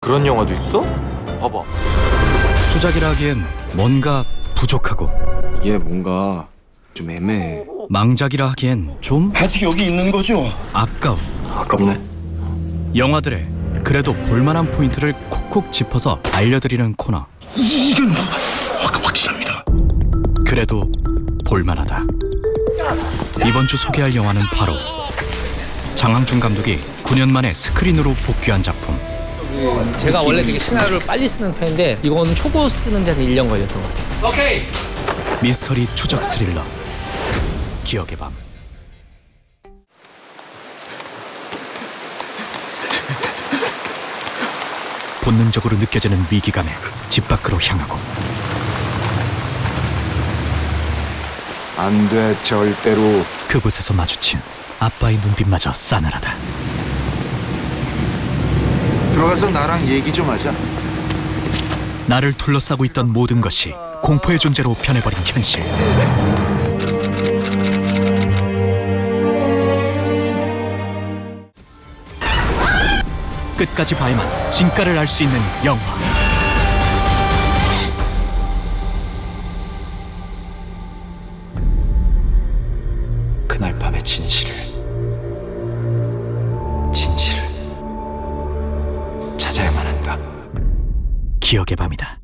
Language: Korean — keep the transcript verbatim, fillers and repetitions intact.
그런 영화도 있어? 봐봐. 수작이라 하기엔 뭔가 부족하고 이게 뭔가 좀 애매해. 망작이라 하기엔 좀 아직 여기 있는 거죠? 아까운 아깝네. 영화들의 그래도 볼만한 포인트를 콕콕 짚어서 알려드리는 코너. 이건 확, 확실합니다. 그래도 볼만하다. 이번 주 소개할 영화는 바로 장항준 감독이 구 년 만에 스크린으로 복귀한 작품 제가 원래 되게 시나리오를 빨리 쓰는 편인데 이건 초고 쓰는데 한 일 년 걸렸던 것 같아요. 오케이. 미스터리 추적 스릴러 기억의 밤. 본능적으로 느껴지는 위기감에 집 밖으로 향하고 안 돼, 절대로. 그곳에서 마주친 아빠의 눈빛마저 싸늘하다. 들어가서 나랑 얘기 좀 하자. 나를 둘러싸고 있던 모든 것이 공포의 존재로 변해버린 현실. 끝까지 봐야만 진가를 알 수 있는 영화. 그날 밤의 진실을 진실을 찾아야만 한다. 기억의 밤이다.